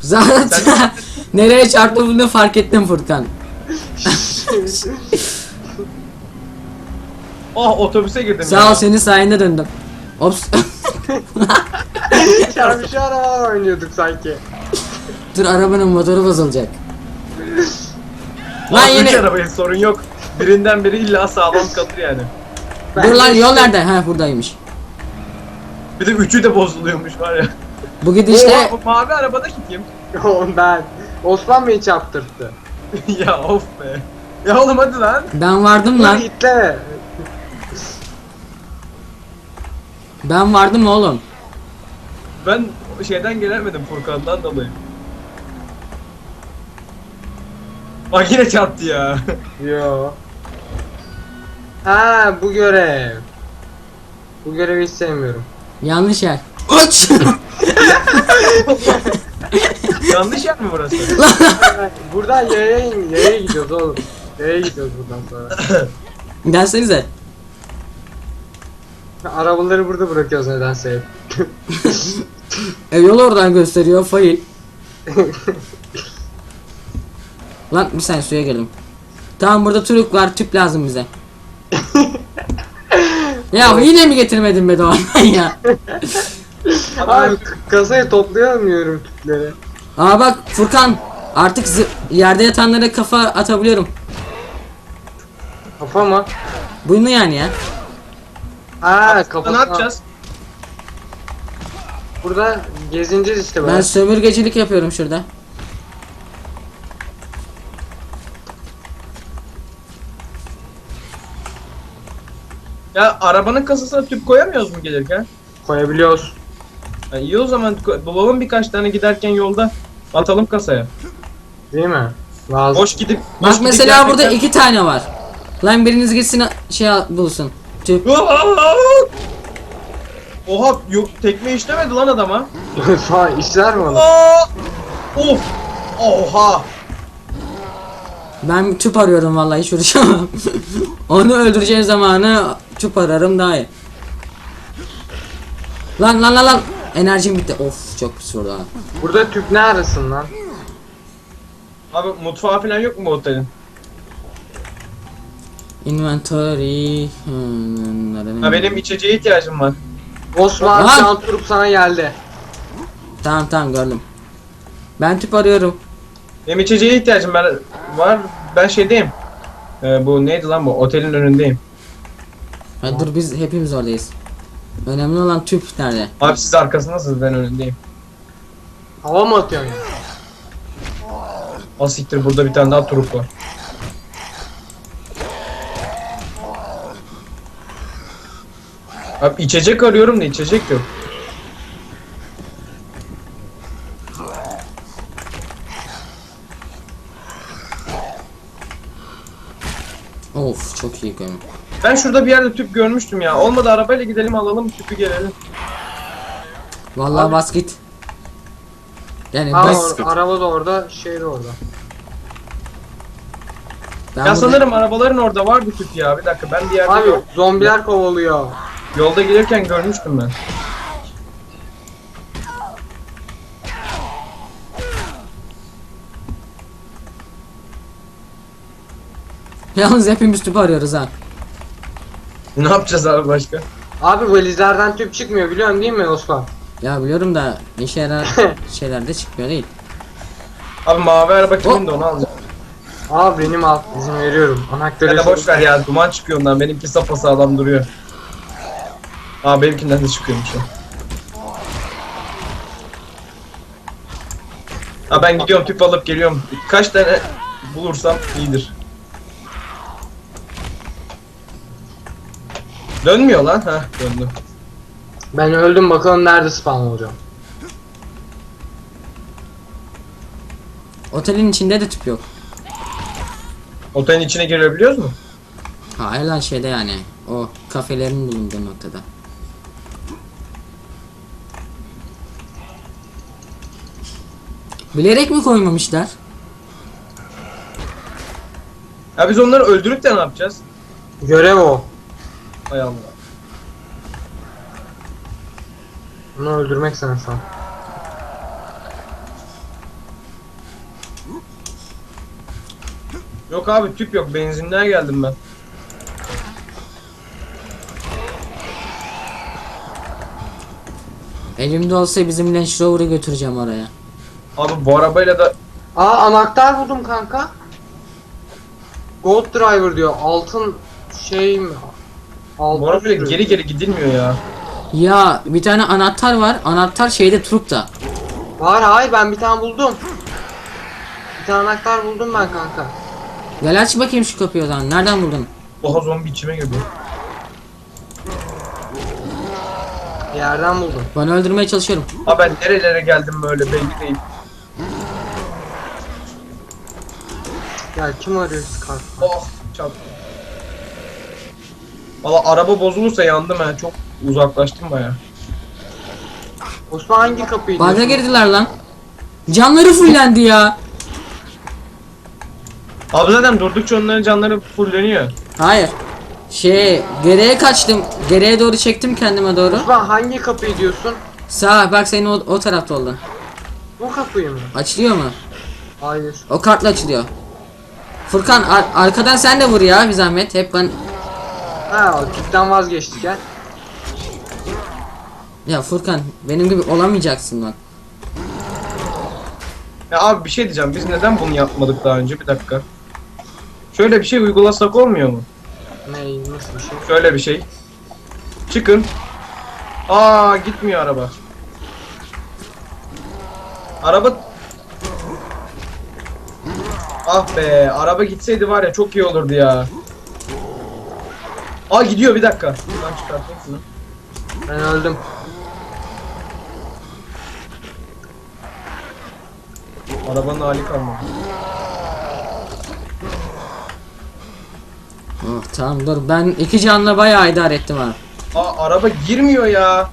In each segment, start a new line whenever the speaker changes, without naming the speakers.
Zaten nereye çarptığını fark ettim Furkan.
Oh, otobüse girdim
Sağ
ya.
ol, senin sayende döndüm. Ops.
Çarpışı araba oynuyorduk sanki.
Dur, arabanın motoru bozulacak. Lan
Lan üç
yine.
arabayı sorun yok. Birinden biri illa sağlam kalır yani.
Dur lan, yol nerede? Ha, buradaymış.
Bir de üçü de bozuluyormuş var ya.
Bu gidişle
O mavi arabadaki kim?
Oğlum ben. Osman Bey'i çarptırdı.
Ya of be. Ya oğlum hadi lan.
ben vardım
Dur
lan.
itle.
Ben vardım oğlum.
Ben şeyden gelemedim, Furkan'dan dolayı. Bak yine çarptı ya.
Yo. Ha, bu görev. Bu görevi hiç sevmiyorum.
Yanlış yer. Uç.
Yanlış yer mi burası?
Buradan yaya gidiyoruz oğlum. Yaya gidiyoruz buradan sonra.
Gelsenize.
Arabaları burada bırakıyoruz nedense hep.
Yol oradan gösteriyor, fail. Lan bir saniye, suya girdim. Tamam, burada Turuk var, tüp lazım bize. Ya yine mi getirmedin be Doğan ya?
Abi kasayı toplayamıyorum tüpleri.
Aa bak Furkan, artık yerde yatanlara kafa atabiliyorum.
Kafa mı?
Bunu yani ya.
Ha, kafa.
Ne yapacağız?
Burada gezineceğiz işte
Ben
böyle.
sömürgecilik yapıyorum şurada.
Ya arabanın kasasına tüp koyamıyoruz mu gelirken?
Koyabiliyoruz.
Ya iyi o zaman, bulalım birkaç tane giderken yolda. Atalım kasaya.
Değil mi? Lazım.
Boş gidip...
Bak
boş gidip
mesela burada
gerçekten-
2 tane var. Lan biriniz gitsin bulsun. Tüp.
Oha, yok tekme işlemedi lan adama.
Falan işler mi onu?
Aa! Of! Oha!
Ben tüp arıyorum vallahi, hiç uğraşamam. Onu öldüreceğim zamanı tüp ararım daha iyi. Lan. Enerjim bitti. Of, çok pis vurdu ha.
Burada tüp ne arasın lan?
Abi mutfağı falan yok mu bu otelin?
Inventory.
Ha, benim içeceğe ihtiyacım var.
Osman
Lan!
şu an turup sana geldi.
Tamam gördüm. Ben tüp arıyorum.
Benim içeceğe ihtiyacım var. Ben şeydeyim. Bu neydi lan bu? Otelin önündeyim.
Ha, dur, biz hepimiz oradayız. Önemli olan tüp nerede?
Abi siz arkasındasınız, ben önündeyim.
Hava mı atıyorsun ya?
Asiktir, burada bir tane daha trup var. Abi içecek arıyorum da içecek yok.
Of, çok iyi gömüm.
Ben şurada bir yerde tüp görmüştüm ya. Olmadı arabayla gidelim alalım tüpü gelelim.
Vallahi
Abi-
bas git. Yani
Ha,
bas git.
araba da orada, şey de orada.
Ben
Ya
burada-
sanırım arabaların orada vardı tüp ya. Bir dakika, ben bir yerde
Abi
yok.
zombiler kovalıyor.
Yolda gelirken görmüştüm ben.
Yalnız hepimiz tüp arıyoruz ha.
Ne yapacağız abi başka?
Abi valizlerden tüp çıkmıyor biliyorsun değil mi Osman?
Ya biliyorum da işe yarar şeyler de çıkmıyor değil.
Abi mavi araba kimin de onu alacağım.
Abi benim al, izin veriyorum. Anahtarı
Ya da boş ver ya, duman çıkıyor ondan, benimki sapasağlam duruyor. Aa, benimkinden de çıkıyormuş o. Ha, ben gidiyorum tüp alıp geliyorum. Kaç tane bulursam iyidir. Dönmüyor lan, ha döndü.
Ben öldüm, bakalım nerede spawn olacağım.
Otelin içinde de tüp yok.
Otelin içine girebiliyoruz mu?
Hayır lan, şeyde yani. O kafelerin bulunduğu noktada. Bilerek mi koymamışlar?
Ya biz onları öldürüp de ne yapacağız?
Görev o.
Hay Allah.
Bunu öldürmek sanırsam.
Yok abi tüp yok. Benzinden geldim ben.
Elimde olsa bizim Range Rover'ı götüreceğim oraya.
Abi bu arabayla da
Aa anahtar buldum kanka. Gold Driver diyor. Altın şey mi? Altın
bu arabayla
sürüyor.
geri gidilmiyor ya.
Ya bir tane anahtar var. Anahtar şeyde Truk'ta.
Var hayır ben bir tane buldum. Bir tane anahtar buldum ben kanka.
Gel aç bakayım şu kapıyı o zaman. Nereden buldun?
Oha zombi içime girdi.
Bir yerden buldum.
Bana öldürmeye çalışıyorum.
Abi ben nerelere geldim böyle belli değil.
Ya kim arıyor Scarf?
Oh çarptım. Valla araba bozulursa yandım ben. Çok uzaklaştım baya.
Osman hangi kapıyı
Baga
diyorsun?
girdiler lan. Canları fullendi ya.
Abi zaten durdukça onların canları fulleniyor.
Hayır. Geriye kaçtım. Geriye doğru çektim kendime doğru.
Osman hangi kapıyı diyorsun?
Sağ bak senin o tarafta oldu.
Bu kapıyı mı?
Açılıyor mu?
Hayır.
O kartla açılıyor. Furkan arkadan sen de vur ya bir zahmet. Hep ben...
Ha tüpten vazgeçtik ya.
Ya Furkan benim gibi olamayacaksın bak.
Ya abi bir şey diyeceğim. Biz neden bunu yapmadık daha önce? Bir dakika. Şöyle bir şey uygulasak olmuyor mu?
Ne nasıl bir şey?
Şöyle bir şey. Çıkın. Aa gitmiyor araba. Araba... Ah be araba gitseydi var ya çok iyi olurdu ya. Aa gidiyor bir dakika. Buradan çıkartayım şunu.
Ben öldüm.
Arabanın hali kalmadı.
Oh, tamam dur ben 2 canla bayağı idare ettim ha.
Aa araba girmiyor ya.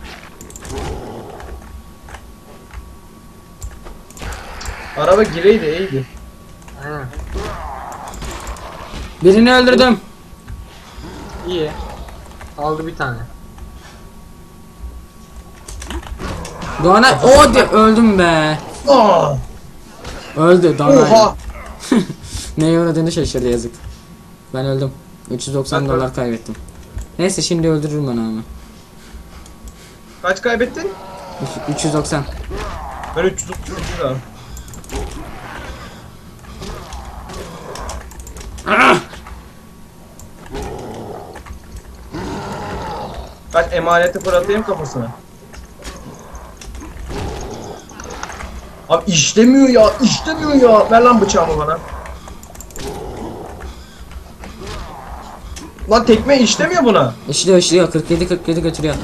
Araba gireydi iyiydi.
Aynen.
Birini öldürdüm.
İyi. Aldı bir tane.
Doğan'a öldüm be.
Aa,
Öldü Doğan.
oha.
Neye uğradığını şaşırdı yazık. Ben öldüm. 390
Ben
dolar kaybettim. Neyse şimdi öldürürüm onu ama.
Kaç kaybettin?
390.
Ben 330 lira. Kaç emaneti fırlatayım kafasına. Abi işlemiyor ya, işlemiyor ya. Ver lan bıçağımı bana. Lan tekme işlemiyor buna.
İşliyor 47 götürüyor.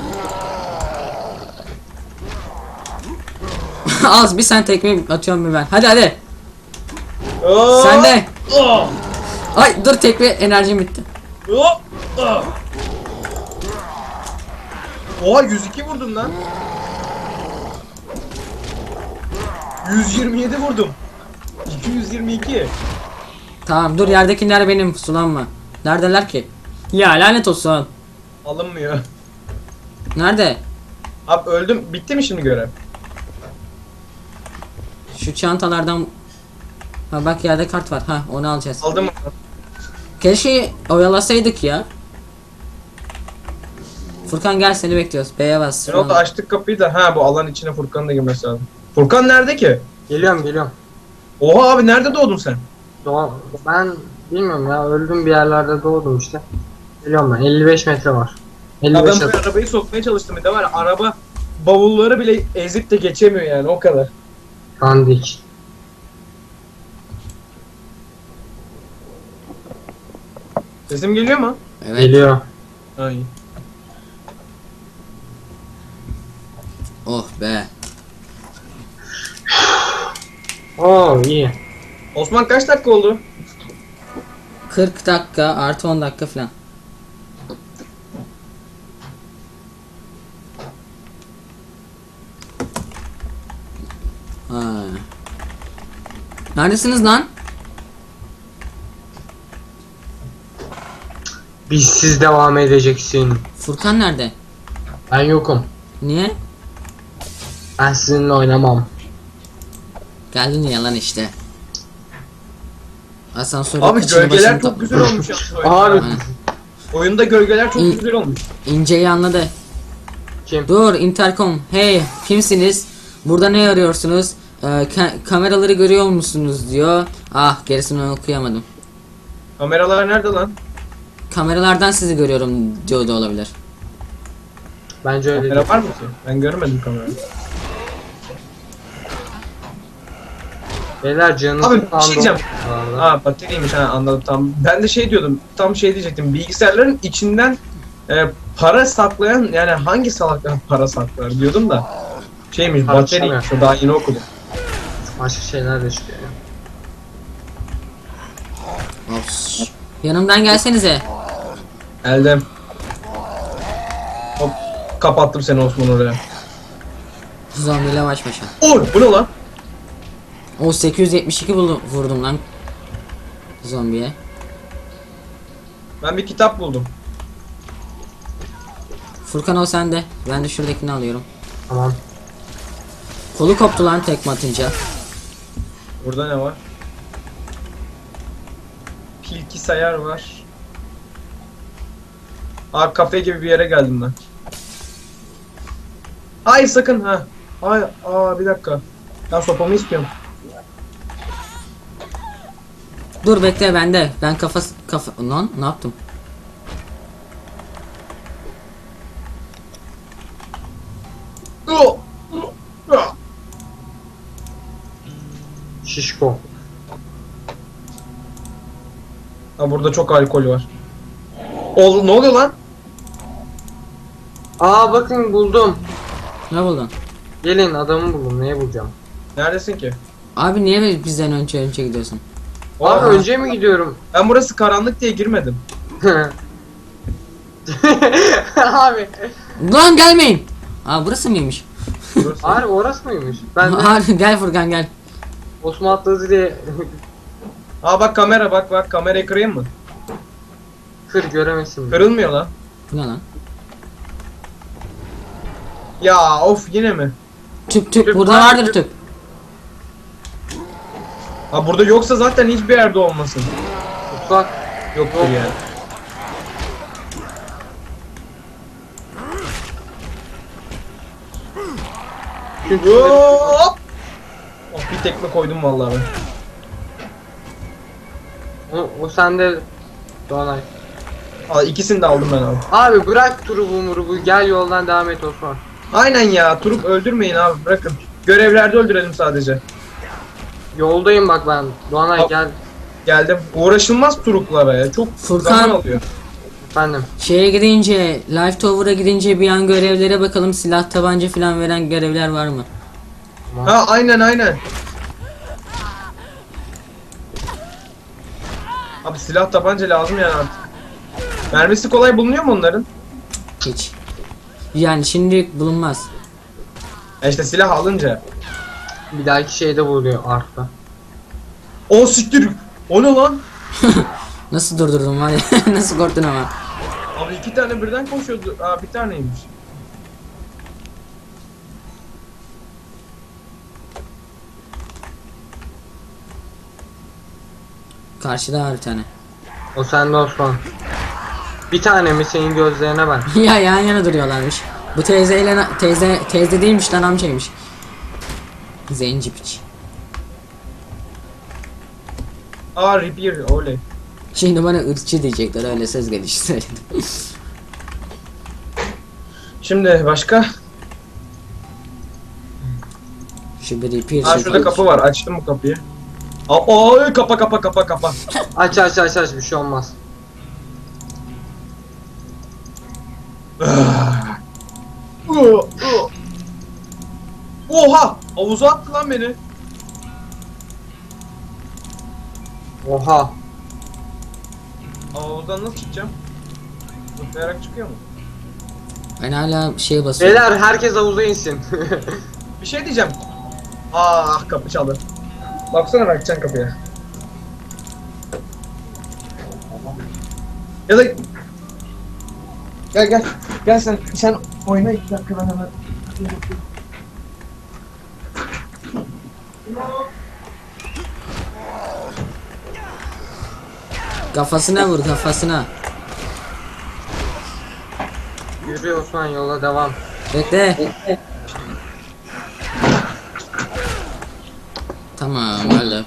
Az bir sen tekme atıyorum bir ben. Hadi.
Aa,
Sen de.
aa,
Ay dur tekme enerjim bitti.
aa, aa. Oha 102 vurdum lan. 127 vurdum. 222.
Tamam dur yerdekiler benim sulanma. Neredeler ki? Ya lanet olsun.
Alınmıyor.
Nerede?
Abi öldüm. Bitti mi şimdi görev?
Şu çantalardan. Ha bak yerde kart var. Ha onu alacağız.
Aldım mı?
Keşke oyalasaydık ya. Furkan gel seni bekliyoruz. B'ye bas.
Ne oldu açtık kapıyı da ha bu alan içine Furkan'ın da girmesi lazım. Furkan nerede ki?
Geliyorum.
Oha abi nerede doğdun sen?
Ben bilmiyorum ya öldüm bir yerlerde doğdum işte. Geliyorum ben 55 metre var.
Ya
55
ben bu arabayı sokmaya çalıştım bir de var ya, araba bavulları bile ezip de geçemiyor yani o kadar.
Dandik.
Sesim geliyor mu?
Evet.
Geliyor.
Ay.
Oh be.
Oo iyi.
Osman kaç dakika oldu?
40 dakika artı 10 dakika falan. Ha. Neredesiniz lan?
Bizsiz devam edeceksin.
Furkan nerede?
Ben yokum.
Niye?
Ben sizinle oynamam.
Geldin ya lan işte. Asansörü
Abi
kıçını
gölgeler
başını
çok
top-
güzel olmuş yalnız oyunda.
Abi
Aynen.
Oyunda gölgeler çok
İyi.
güzel olmuş.
İnceyi anladı.
kim?
Dur intercom. Hey kimsiniz? Burada ne arıyorsunuz? Kameraları görüyor musunuz diyor. Ah gerisini okuyamadım.
Kameralar nerede lan?
Kameralardan sizi görüyorum diyor da olabilir.
Bence öyle değil.
Kamera var mı ki? Ben görmedim kamerayı.
Beyler canınızı
Abi bir şey diyeceğim.
Vallahi.
Aa bateriymiş, ha anladım tam. Ben de şey diyordum, tam şey diyecektim. Bilgisayarların içinden para saklayan, yani hangi salaklar para saklar diyordum da. Şeymiş,
Para
bateriymiş, o daha yeni okudum.
Başka şeyler de çıkıyor ya.
Ops. Yanımdan gelsenize.
Elden. Hop, kapattım seni Osman oraya.
Zombiyle baş başa.
Oy, bu ne lan?
O 872 vurdum lan. Zombiye.
Ben bir kitap buldum.
Furkan o sende. Ben de şuradakini alıyorum.
Tamam.
Kolu koptu lan tekme atınca.
Burada ne var? Bilgisayar var. Aa, kafe gibi bir yere geldim ben. Hayır sakın ha. Hayır, bir dakika. Ben sopamı istiyorum.
Dur bekle bende. Ben kafa lan ne yaptım?
Şişko.
Ha, burada çok alkol var. Ne oluyor lan?
Aa bakın buldum.
Ne buldun?
Gelin adamı buldum. Neye bulacağım?
Neredesin ki?
Abi niye bizden önce gidiyorsun?
Abi
Aa,
önce mi gidiyorum?
Ben burası karanlık diye girmedim.
Abi.
Lan gelmeyin. Aa burası mıymış?
Burası.
Abi orası mıymış? Ben de
Abi gel Furkan gel.
Osman atladı diye
Aa bak kamera, bak kamerayı kırayım mı?
kır göremesin.
Kırılmıyor lan.
Bu ne lan?
Ya of, yine mi?
Tüp
Tüp
burada
var,
vardır
tüp.
tüp.
Ha, burada yoksa zaten hiçbir yerde olmasın.
Mutfak.
Yoktur
Yok.
yani. Hop! Oh, bir tekme koydum vallahi ben.
O sende Doğanay.
Aa, ikisini de aldım ben abi.
Abi bırak turubu murubu gel yoldan devam et Osman.
Aynen ya, Turuk öldürmeyin abi, bırakın. Görevlerde öldürelim sadece.
Yoldayım bak ben. Doğanay
Hop.
gel.
Geldim. Uğraşılmaz Turuklara ya. Çok
Furkan.
zaman alıyor.
Efendim.
Şeye gidince, Life Tower'a gidince bir an görevlere bakalım, silah tabanca falan veren görevler var mı?
Ha, aynen. Abi silah tabanca lazım yani artık. Mermisi kolay bulunuyor mu onların?
Hiç. Yani şimdilik bulunmaz.
İşte silah alınca.
Bir dahaki şeyde buluyor artta.
O siktir. O ne lan?
Nasıl durdurdum var ya? Nasıl korktun ama?
Abi iki tane birden koşuyordu. Aa, bir taneymiş.
Karşıda var bir tane.
O sende Osman. Bir tane mi senin gözlerine ben?
Ya yan yana duruyorlarmış. Bu teyzeyle teyze değilmiş lan, amcaymış. Zenci piç.
Aa, repair oley.
Şimdi bana ırkçı diyecekler, öyle söz gelişi söyledim.
Şimdi başka?
Şu bir repair
Aa, şurada kapı var. Açtım bu kapıyı. Aa, kapa.
Aç bir şey olmaz.
Oha! Havuza attı lan beni.
Oha.
Havuzdan nasıl çıkacağım? Zıplayarak çıkıyor mu?
Ben hala şeye basıyorum.
Beyler herkes havuza insin.
Bir şey diyeceğim. Ah, kapı çaldı. Baksana, bakacaksın kapıya. Ya da gel sen oyna 2 dakika, ben hemen.
Kafasına vur kafasına.
Yürü Osman, yola devam.
Bekle. Tamam öyle.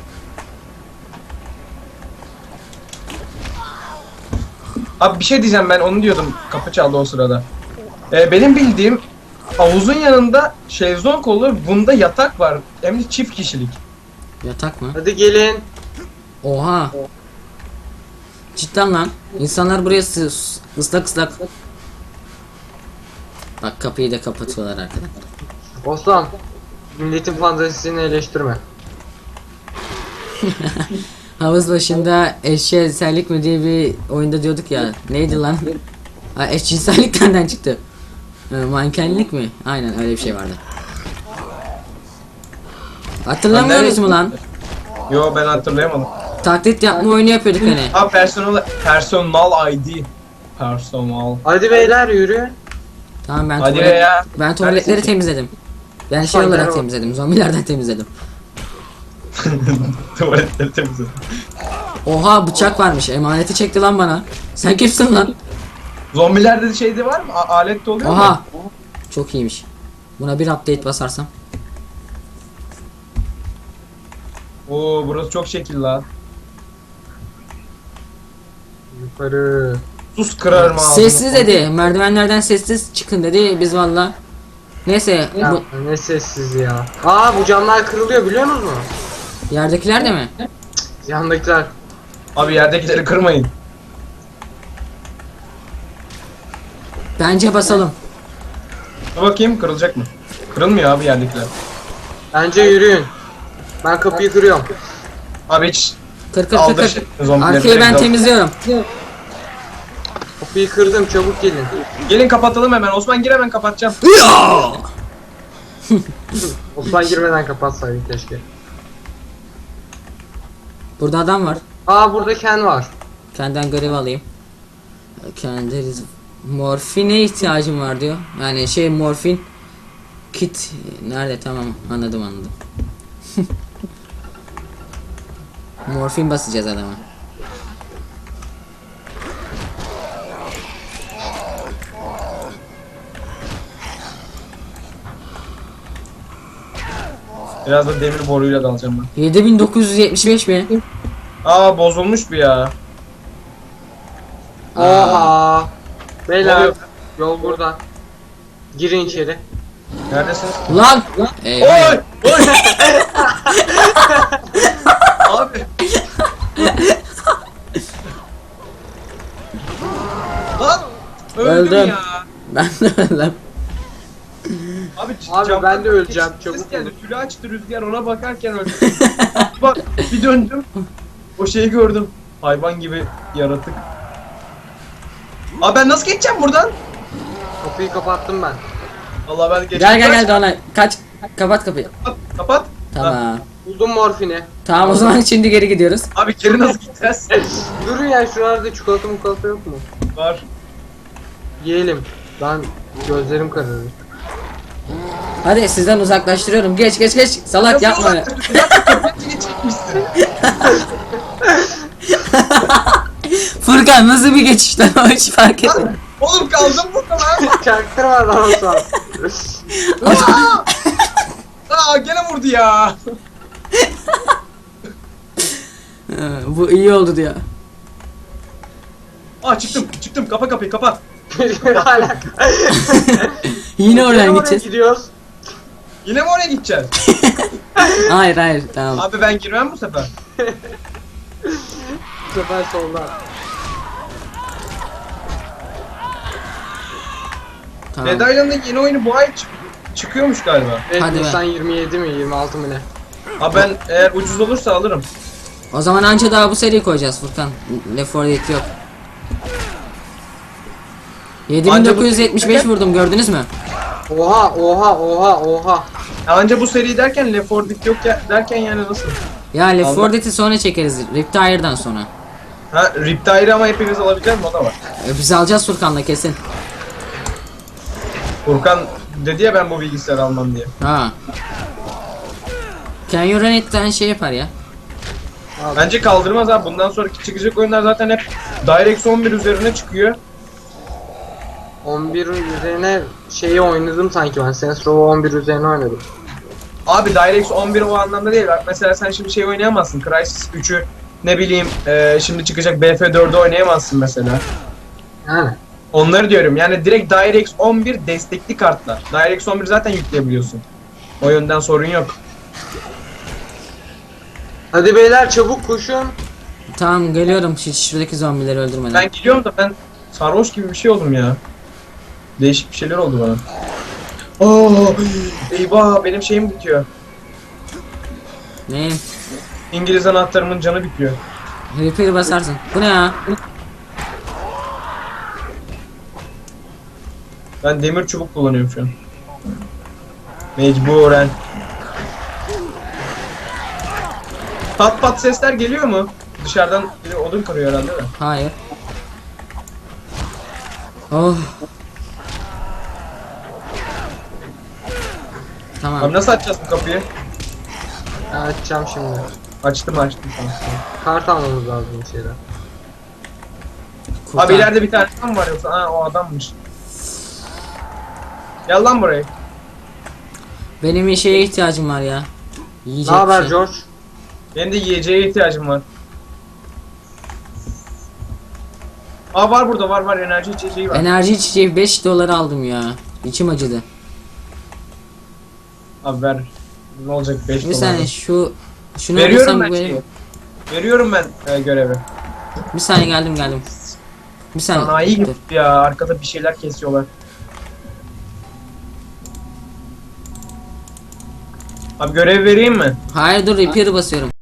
Abi bir şey diyeceğim, ben onu diyordum. Kapı çaldı o sırada. Benim bildiğim havuzun yanında şezlong olur. Bunda yatak var. Hem de çift kişilik.
Yatak mı?
Hadi gelin.
Oha. Cidden lan. İnsanlar buraya ıslak ıslak. Bak kapıyı da kapatıyorlar arkadan.
Osman, milletin fantezisini eleştirme.
Havuz başında eşcinsellik mi diye bir oyunda diyorduk ya. Neydi lan? Ha, eşcinsellik nereden çıktı? Mankenlik mi? Aynen öyle bir şey vardı. Hatırlamıyoruz mu lan?
Yo, ben hatırlayamadım.
Taklit yapma oyunu yapıyorduk hani.
Ha, personal ID. Personal.
Hadi beyler yürü.
Tamam
Hadi be ya.
ben tuvaletleri temizledim. Ben şey
Hadi
olarak
be.
temizledim. Zombilerden temizledim.
Tuvaletleri temizle.
Oha bıçak varmış. Emaneti çekti lan bana. Sen kimsin lan?
Zombilerde de şeyde var mı? Alet de oluyor mu?
Oha. Çok iyiymiş. Buna bir update basarsam.
Oo, burası çok şekil la.
Yukarı.
Sus, kırarım ağzını.
Sessiz dedi. Merdivenlerden sessiz çıkın dedi. Biz valla. Neyse
Ya
bu
ne sessiz ya. Aa, bu camlar kırılıyor biliyor musunuz?
yerdekiler de mi?
Yandakiler.
Abi yerdekileri kırmayın.
Bence basalım.
Dur bakayım, kırılacak mı? Kırılmıyor abi yerdekiler.
Bence yürüyün. Ben kapıyı kırıyorum.
Abi hiç
Kır kır kır
aldı
kır.
zombileri.
Arkayı ben
direkt al.
temizliyorum.
Kapıyı kırdım, çabuk gelin.
Gelin kapatalım hemen. Osman gir, hemen kapatacağım.
Osman girmeden kapatsaydın keşke.
Burada adam var.
Aa, burada Ken var.
Kendinden görev alayım. Kendi morfine ihtiyacım var diyor. Yani şey morfin kit nerede, tamam anladım. Morfin basacağız adama.
Biraz da demir boruyla dalacağım ben.
7975 mi?
Aa, bozulmuş bu ya.
Oha. Beyler,
Oluyor.
yol burada. Girin içeri.
Neredesiniz?
Lan!
Oy!
Eyvah.
Oy! Abi. Lan! Öldüm
Öldüm.
ya.
Ben de öldüm.
Abi,
Abi,
camdan
ben de öleceğim,
ses
çabuk
geldi.
olun.
Tülü açtı rüzgar, ona bakarken öldüm. Bak, bir döndüm. O şeyi gördüm. Hayvan gibi yaratık. Abi ben nasıl geçeceğim buradan?
Kapıyı kapattım ben.
Allah, ben geçeceğim.
Gel Doğanay. Kaç. Kapat kapıyı.
Kapat. Kapat.
Tamam.
Buldum morfini.
Tamam o zaman şimdi geri gidiyoruz.
Abi geri nasıl gideceğiz?
Durun ya, şuralarda çikolata yok mu?
Var.
Yiyelim. Ben gözlerim kararır.
Hadi sizden uzaklaştırıyorum. Geç. Salak yapma.
Bir dakika, köpek geçecekmişsin.
Furkan nasıl bir geçiş lan, o hiç fark etmedim.
Lan, oğlum kaldım burada lan.
Çaktırma lan Osman.
Aa, gene vurdu ya.
Bu iyi oldu diyor.
Aa, çıktım. Kapa kapıyı, kapa.
Ne alaka?
Yine oradan
Oraya
gideceğiz.
gidiyoruz.
Yine mi oraya gideceğiz?
Hayır tamam.
Abi ben girmem bu sefer.
Bu sefer solda.
Tamam.
Dead Island'ın yeni oyunu bu ay çıkıyormuş galiba.
Evet,
Hadi be.
Nisan 27 mi 26 mı ne?
Abi ben eğer ucuz olursa alırım.
O zaman anca daha bu seriyi koyacağız Furkan. Left 4 Dead yok. 7975 vurdum, gördünüz mü?
Oha.
Anca bu seri derken Left 4 Dead yok ya, derken yani nasıl?
Ya Left 4
Allah.
Dead'i sonra çekeriz. Riptire'dan sonra.
Ha, Riptire'ı ama hepimiz alabileceğiz mi, o da var.
Biz alacağız Furkan'la kesin.
Furkan dedi ya ben bu bilgisayarı almam diye.
Ha. Can you run it'ten şey yapar ya.
Abi,
Bence kaldırmaz abi. Bundan sonraki çıkacak oyunlar zaten hep DirectX 11 üzerine çıkıyor.
11 üzerine şeyi oynadım sanki ben. Saints Row'u 11 üzerine oynadım.
Abi DirectX 11 o anlamda değil. Bak mesela sen şimdi şey oynayamazsın. Crysis 3'ü ne bileyim şimdi çıkacak BF4'ü oynayamazsın mesela.
Yani.
Onları diyorum. Yani direkt DirectX 11 destekli kartlar. DirectX 11 zaten yükleyebiliyorsun. O yönden sorun yok.
Hadi beyler çabuk koşun.
Tamam geliyorum şuradaki zombileri öldürmeden.
Ben gidiyorum da ben sarhoş gibi bir şey oldum ya. Değişik bir şeyler oldu bana. Oo, eyvah benim şeyim bitiyor.
Ne?
İngiliz anahtarımın canı bitiyor.
Repair basarsın. Bu ne ya?
Ben demir çubuk kullanıyorum şu an. Mecburen. Pat pat sesler geliyor mu? Dışarıdan biri odun kırıyor herhalde de.
Hayır. Oh.
Abi
Tamam.
nasıl açacağız bu kapıyı?
Açacağım şimdi.
Açtım tamam.
Kart almamız lazım bir şeyden.
Kurtar.
Abi ileride bir tane adam var yoksa o adammış. Gel lan buraya.
Benim bir şeye ihtiyacım var ya. Yiyecek
Ne haber
bir şey.
George?
Benim de yiyeceğe ihtiyacım var. Var burada var enerji içeceği var.
Enerji içeceği 5 dolar aldım ya. İçim acıdı.
Abi ver. Ne olacak 5
Bir
dolar.
saniye şunu
Veriyorum
alırsam
ben
bu
şeyi.
benim.
Veriyorum ben görevi.
Bir saniye geldim. Bir saniye.
Sanayi
Dur.
gibi ya arkada bir şeyler kesiyorlar. Abi görev vereyim mi?
Hayır dur repair basıyorum.